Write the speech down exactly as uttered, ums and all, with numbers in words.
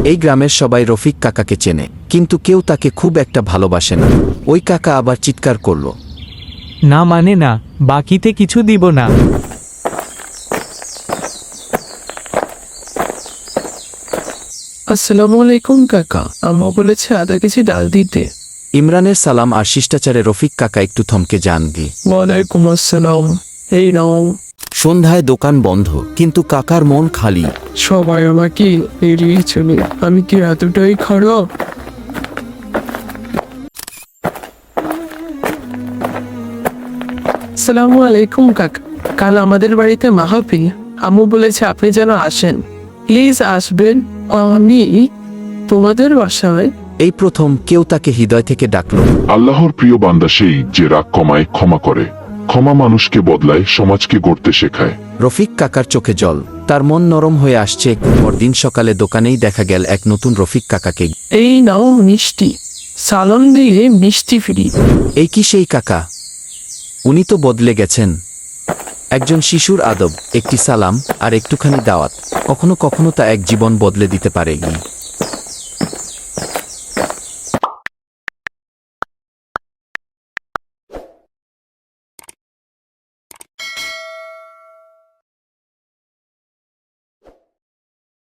এই গ্রামের সবাই রফিক কাকাকে চেনে, কিন্তু কেউ তাকে খুব একটা ভালোবাসে না। ওই কাকা আবার চিৎকার করল, না মানে না, বাকিতে কিছু দিব না। আসসালামু আলাইকুম কাকা, আম্মা বলেছে আধা কেজি ডাল দিতে। ইমরানের সালাম আর শিষ্টাচারে রফিক কাকা একটু থমকে যান। গি ওয়ালাইকুম আসসালাম। এই নাও। সন্ধ্যায় দোকান বন্ধ, কিন্তু কাকার মন খালি। সবাই আমাকে এড়িয়ে চলে, আমি কি এতটাই খারাপ? আসসালামু আলাইকুম কাকা, কাল আমাদের বাড়িতে মাহফিল, আম্মু বলেছে আপনি যেন আসেন, প্লিজ আসবেন। আমি তোমাদের বাসায়। এই প্রথম কেউ তাকে হৃদয় থেকে ডাকল। আল্লাহর প্রিয় বান্দা সেই যে রাগ কমায়, ক্ষমা করে। ক্ষমা মানুষকে বদলায়, সমাজকে গড়তে শেখায়। রফিক কাকার চোখে জল, তার মন নরম হয়ে আসছে। পরদিন সকালে দোকানেই দেখা গেল এক নতুন রফিক কাকাকে। এই নাও মিষ্টি, সালাম দিয়ে মিষ্টি ফ্রি। এই কি সেই কাকা? উনি তো বদলে গেছেন। একজন শিশুর আদব, একটি সালাম আর একটুখানি দাওয়াত, কখনো কখনো তা এক জীবন বদলে দিতে পারে।